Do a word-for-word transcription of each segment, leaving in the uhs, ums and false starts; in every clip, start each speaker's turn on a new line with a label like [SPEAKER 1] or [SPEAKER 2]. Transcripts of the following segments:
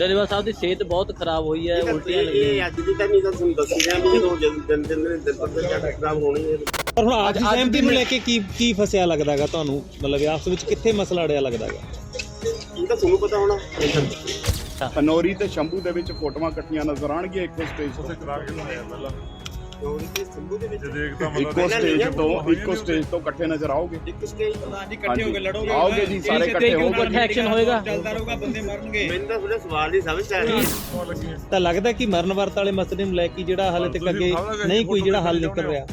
[SPEAKER 1] ਡੱਲੇਵਾਲ ਸਾਹਿਬ ਦੀ ਸਿਹਤ ਬਹੁਤ ਖਰਾਬ ਹੋਈ ਹੈ, ਉਲਟੀਆਂ ਲੱਗੀਆਂ।
[SPEAKER 2] ਇਹ ਅੱਜ ਦੀ ਤਾਂ ਨਹੀਂ, ਤਾਂ ਤੁਹਾਨੂੰ ਦੱਸੀ ਜਾਂ ਵੀ ਜਦੋਂ ਦਿਨ ਦਿਨ ਦਿਨ ਦਿਨ ਪਰ ਦਿਨ ਖਰਾਬ ਹੋਣੀ ਹੈ।
[SPEAKER 3] ਪਰ ਹੁਣ ਅੱਜ ਸਹਿਮਤੀ ਨੂੰ ਲੈ ਕੇ ਕੀ ਕੀ ਫਸਿਆ ਲੱਗਦਾਗਾ ਤੁਹਾਨੂੰ, ਮਤਲਬ ਆਪਸ ਵਿੱਚ ਕਿੱਥੇ ਮਸਲਾ ਅੜਿਆ ਲੱਗਦਾਗਾ?
[SPEAKER 2] ਇਹ ਤਾਂ ਤੁਹਾਨੂੰ ਪਤਾ ਹੋਣਾ।
[SPEAKER 4] ਪਨੌਰੀ ਤੇ ਸ਼ੰਭੂ ਦੇ ਵਿੱਚ ਫੋਟੋਆਂ ਇਕੱਠੀਆਂ ਨਜ਼ਰ ਆਣਗੀਆਂ ਇੱਕੋ ਸਟੇਜ ਤੋਂ।
[SPEAKER 2] ਕਰਾ ਕੇ ਲਾਇਆ ਪਹਿਲਾਂ ਪਨੌਰੀ ਤੇ ਸ਼ੰਭੂ ਦੇ ਵਿੱਚ
[SPEAKER 4] ਇੱਕੋ ਸਟੇਜ ਤੋਂ ਇੱਕੋ ਸਟੇਜ ਤੋਂ ਇਕੱਠੇ ਨਜ਼ਰ ਆਓਗੇ।
[SPEAKER 2] ਇੱਕ ਸਟੇਜ ਤੋਂ
[SPEAKER 5] ਹਾਂਜੀ ਇਕੱਠੇ ਹੋ ਕੇ ਲੜੋਗੇ,
[SPEAKER 4] ਆਓਗੇ ਜੀ, ਸਾਰੇ ਇਕੱਠੇ ਹੋ ਕੇ
[SPEAKER 1] ਐਕਸ਼ਨ ਹੋਏਗਾ,
[SPEAKER 5] ਚੱਲਦਾ ਰਹੂਗਾ, ਬੰਦੇ ਮਰਨਗੇ।
[SPEAKER 2] ਮੈਨੂੰ ਤਾਂ ਥੋੜਾ ਸਵਾਲ ਨਹੀਂ ਸਮਝ ਆ ਰਿਹਾ।
[SPEAKER 3] ਤਾਂ ਲੱਗਦਾ ਕਿ ਮਰਨ ਵਰਤ ਵਾਲੇ ਮਸਲੇ ਨੂੰ ਲੈ ਕੇ ਜਿਹੜਾ ਹਾਲੇ ਤੱਕ ਅੱਗੇ ਨਹੀਂ ਕੋਈ ਜਿਹੜਾ ਹੱਲ ਨਿਕਲ ਰਿਹਾ।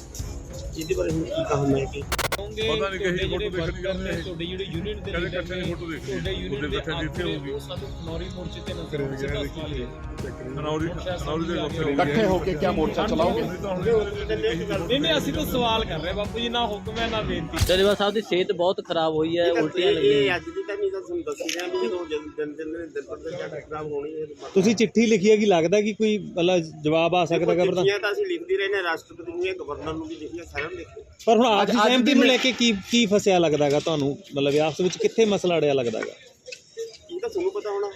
[SPEAKER 2] ਇਹਦੇ ਬਾਰੇ ਹੁਣ ਕੀ ਕਹਾਂ ਮੈਂ ਕਿ
[SPEAKER 6] ਪਤਾ ਨਹੀਂ ਕਿਹੜੀ ਫੋਟੋ ਦੇਖਣੀ ਕਰਨੇ ਤੁਹਾਡੇ ਜਿਹੜੇ ਯੂਨਿਟ ਦੇ ਕਹਿੰਦੇ ਇਕੱਠੇ ਦੀ ਫੋਟੋ ਦੇਖੋ ਤੁਹਾਡੇ ਯੂਨਿਟ ਦੇ ਇਕੱਠੇ ਜਿੱਥੇ ਹੋਊਗੀ
[SPEAKER 5] ਸਾਨੂੰ ਖਨੌਰੀ ਮੋਰਚੇ ਤੇ ਨਜ਼ਰ ਆਉਂਦਾ ਸੀ।
[SPEAKER 6] ਖਨੌਰੀ ਖਨੌਰੀ ਦੇ ਉੱਤੇ
[SPEAKER 4] ਇਕੱਠੇ ਹੋ ਕੇ ਕਿਆ ਮੋਰਚਾ ਚਲਾਓਗੇ?
[SPEAKER 5] ਨਹੀਂ ਨਹੀਂ ਅਸੀਂ ਤਾਂ ਸਵਾਲ ਕਰ ਰਹੇ ਬਾਪੂ ਜੀ, ਨਾ ਹੁਕਮ ਹੈ ਨਾ ਬੇਨਤੀ।
[SPEAKER 1] ਡੱਲੇਵਾਲ ਸਾਹਿਬ ਦੀ ਸਿਹਤ ਬਹੁਤ ਖਰਾਬ ਹੋਈ ਹੈ, ਉਲਟੀਆਂ ਲੱਗੀਆਂ।
[SPEAKER 2] ਇਹ ਅੱਜ ਦੀ ਤਾਂ ਨਹੀਂ, ਤਾਂ ਤੁਹਾਨੂੰ ਦੱਸੀ ਜਾਂ ਵੀ ਜਦੋਂ ਦਿਨ ਦਿਨ ਦਿਨ ਪਰ ਦਿਨ ਖਰਾਬ ਹੋਣੀ ਹੈ।
[SPEAKER 3] ਤੁਸੀਂ ਚਿੱਠੀ ਲਿਖੀ ਹੈ ਕਿ ਲੱਗਦਾ ਕਿ ਕੋਈ ਮਤਲਬ ਜਵਾਬ ਆ ਸਕਦਾ ਹੈ?
[SPEAKER 2] ਚਿੱਠੀਆਂ ਤਾਂ ਅਸੀਂ ਲਿਖਦੇ ਰਹੇ ਨੇ, ਰਾਸ਼ਟਰਪਤੀ ਨੂੰ, ਗਵਰਨਰ ਨੂੰ ਵੀ ਲਿਖੀਆਂ, ਸਾਰਿਆਂ ਨੂੰ ਲਿਖੀਆਂ।
[SPEAKER 3] ਪਰ ਹੁਣ ਅੱਜ ਸਹਿਮਤੀ ਨੂੰ ਲੈ ਕੇ ਕੀ ਕੀ ਫਸਿਆ ਲੱਗਦਾਗਾ ਤੁਹਾਨੂੰ, ਮਤਲਬ ਆਪਸ ਵਿੱਚ ਕਿੱਥੇ ਮਸਲਾ ਅੜਿਆ ਲੱਗਦਾਗਾ?
[SPEAKER 2] ਇਹ ਤਾਂ ਤੁਹਾਨੂੰ ਪਤਾ ਹੋਣਾ।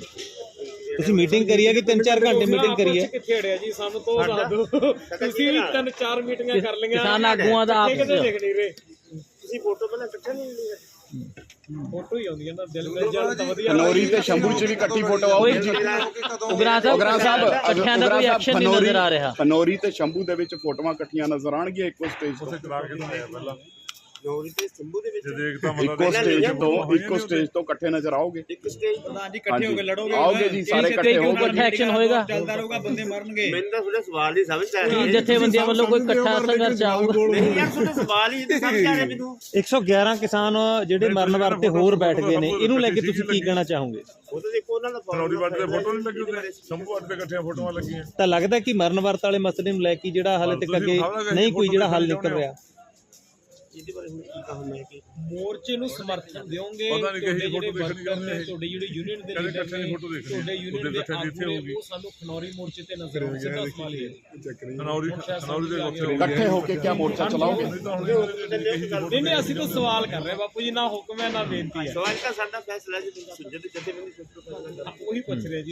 [SPEAKER 3] ਤੁਸੀਂ ਮੀਟਿੰਗ ਕਰੀ ਹੈ ਕਿ ਤਿੰਨ ਚਾਰ ਘੰਟੇ ਮੀਟਿੰਗ ਕਰੀ ਹੈ?
[SPEAKER 5] ਕਿੱਥੇ ਅੜਿਆ ਜੀ, ਸਾਨੂੰ ਤੋਂ ਦੱਸ ਦਿਓ। ਤੁਸੀਂ ਵੀ ਤਿੰਨ ਚਾਰ ਮੀਟਿੰਗਾਂ ਕਰ ਲਈਆਂ,
[SPEAKER 1] ਕਿਸਾਨ ਆਗੂਆਂ ਦਾ ਆਪਸ
[SPEAKER 5] ਕਿਤੇ ਲਿਖ ਨਹੀਂ ਰਹੇ।
[SPEAKER 2] ਤੁਸੀਂ ਫੋਟੋ ਪਹਿਲਾਂ ਇਕੱਠੇ ਨਹੀਂ ਲਈ?
[SPEAKER 5] ਫੋਟੋ ਹੀ ਆਉਂਦੀ ਹੈ ਨਾ, ਦਿਲ ਮਿਲ ਜਾਣ ਤਾਂ ਵਧੀਆ।
[SPEAKER 4] ਪਨੌਰੀ ਤੇ ਸ਼ੰਭੂ 'ਚ ਵੀ ਇਕੱਠੀ ਫੋਟੋ ਆਊਗੀ ਜੀ।
[SPEAKER 1] ਉਗਰਾ ਸਾਹਿਬ ਇਕੱਠਿਆਂ ਦਾ ਕੋਈ ਐਕਸ਼ਨ ਨਹੀਂ ਨਜ਼ਰ ਆ ਰਿਹਾ।
[SPEAKER 4] ਪਨੌਰੀ ਤੇ ਸ਼ੰਭੂ ਦੇ ਵਿੱਚ ਫੋਟੋਆਂ ਇਕੱਠੀਆਂ ਨਜ਼ਰ ਆਣਗੀਆਂ ਇੱਕੋ ਸਟੇਜ ਤੋਂ।
[SPEAKER 6] ਕਰਾ ਕੇ ਲਾਇਆ ਪਹਿਲਾਂ
[SPEAKER 2] ਪਨੌਰੀ ਤੇ ਸ਼ੰਭੂ ਦੇ ਵਿੱਚ
[SPEAKER 6] ਦੇਖਦਾ
[SPEAKER 4] ਇੱਕੋ ਸਟੇਜ ਤੋਂ ਇੱਕੋ ਸਟੇਜ ਤੋਂ ਇਕੱਠੇ ਨਜ਼ਰ ਆਓਗੇ।
[SPEAKER 2] ਇੱਕ ਸਟੇਜ ਤੋਂ
[SPEAKER 5] ਹਾਂਜੀ ਇਕੱਠੇ ਹੋ ਕੇ ਲੜੋਗੇ,
[SPEAKER 4] ਆਓਗੇ ਜੀ, ਸਾਰੇ ਇਕੱਠੇ ਹੋ ਕੇ
[SPEAKER 1] ਐਕਸ਼ਨ ਹੋਏਗਾ,
[SPEAKER 5] ਚੱਲਦਾ ਰਹੂਗਾ, ਬੰਦੇ ਮਰਨਗੇ।
[SPEAKER 2] ਮੈਨੂੰ ਤਾਂ ਥੋੜਾ ਸਵਾਲ ਨਹੀਂ ਸਮਝ ਆ ਰਿਹਾ।
[SPEAKER 1] ਜਥੇਬੰਦੀਆਂ ਵੱਲੋਂ ਕੋਈ ਇਕੱਠਾ ਸੰਘਰਸ਼ ਆਊਗਾ?
[SPEAKER 2] ਨਹੀਂ ਯਾਰ, ਤੁਹਾਡਾ ਸਵਾਲ ਹੀ ਨਹੀਂ ਸਮਝ ਆ ਰਿਹਾ ਮੈਨੂੰ।
[SPEAKER 3] ਇੱਕ ਸੌ ਗਿਆਰਾਂ ਕਿਸਾਨ ਜਿਹੜੇ ਮਰਨ ਵਰਤ ਤੇ ਹੋਰ ਬੈਠ ਗਏ ਨੇ, ਇਹਨੂੰ ਲੈ ਕੇ ਤੁਸੀਂ ਕੀ ਕਹਿਣਾ ਚਾਹੋਗੇ?
[SPEAKER 2] ਉਹ ਤਾਂ ਦੇਖੋ ਉਹਨਾਂ ਦਾ
[SPEAKER 6] ਖਨੌਰੀ ਵੱਟ ਤੇ ਫੋਟੋ ਨਹੀਂ ਲੱਗੀ ਉੱਤੇ, ਸ਼ੰਭੂ ਵੱਟ ਤੇ ਇਕੱਠੀਆਂ ਫੋਟੋਆਂ ਲੱਗੀਆਂ।
[SPEAKER 3] ਤਾਂ ਲੱਗਦਾ ਕਿ ਮਰਨ ਵਰਤ ਵਾਲੇ ਮਸਲੇ ਨੂੰ ਲੈ ਕੇ ਜਿਹੜਾ ਹਾਲੇ ਤੱਕ ਅੱਗੇ ਨਹੀਂ ਕੋਈ ਜਿਹੜਾ ਹੱਲ ਨਿਕਲ ਰਿਹਾ।
[SPEAKER 2] ਇਹਦੇ ਬਾਰੇ ਹੁਣ ਕੀ ਕਹਾਂ ਮੈਂ ਕਿ
[SPEAKER 5] ਮੋਰਚੇ ਨੂੰ ਸਮਰਥਨ ਦਿਓਗੇ,
[SPEAKER 6] ਪਤਾ ਨਹੀਂ ਕਿਹੜੀ ਫੋਟੋ ਦੇਖਣੀ
[SPEAKER 5] ਕਰਨੇ
[SPEAKER 6] ਕਰਨੇ
[SPEAKER 5] ਤੁਹਾਡੇ ਜਿਹੜੇ ਯੂਨਿਟ ਦੇ
[SPEAKER 6] ਕਹਿੰਦੇ
[SPEAKER 5] ਲੀਡਰ
[SPEAKER 6] ਇਕੱਠੇ ਦੀ ਫੋਟੋ
[SPEAKER 5] ਨੇ,
[SPEAKER 6] ਦੇਖਣੀ
[SPEAKER 5] ਤੁਹਾਡੇ ਯੂਨਿਟ ਦੇ
[SPEAKER 6] ਇਕੱਠੇ ਜਿੱਥੇ ਹੋਊਗੀ।
[SPEAKER 5] ਉਹ ਸਾਨੂੰ ਖਨੌਰੀ ਮੋਰਚੇ ਤੇ ਨਜ਼ਰ ਆਉਂਦਾ ਸਿੱਧਾ ਸਵਾਲ ਹੀ ਹੈ।
[SPEAKER 6] ਖਨੌਰੀ ਖਨੌਰੀ ਦੇ ਉੱਤੇ
[SPEAKER 4] ਇਕੱਠੇ ਹੋ ਕੇ ਕਿਆ ਮੋਰਚਾ ਚਲਾਓਗੇ?
[SPEAKER 5] ਨਹੀਂ ਨਹੀਂ ਅਸੀਂ ਤਾਂ ਸਵਾਲ ਕਰ ਰਹੇ ਬਾਪੂ ਜੀ, ਨਾ ਹੁਕਮ ਹੈ ਨਾ ਬੇਨਤੀ ਹੈ।
[SPEAKER 2] ਸਵਾਲ ਤਾਂ ਸਾਡਾ ਫੈਸਲਾ ਜੀ, ਜਦ ਜਥੇਬੰਦੀ
[SPEAKER 5] ਉਹੀ ਪੁੱਛ ਰਹੇ ਜੀ।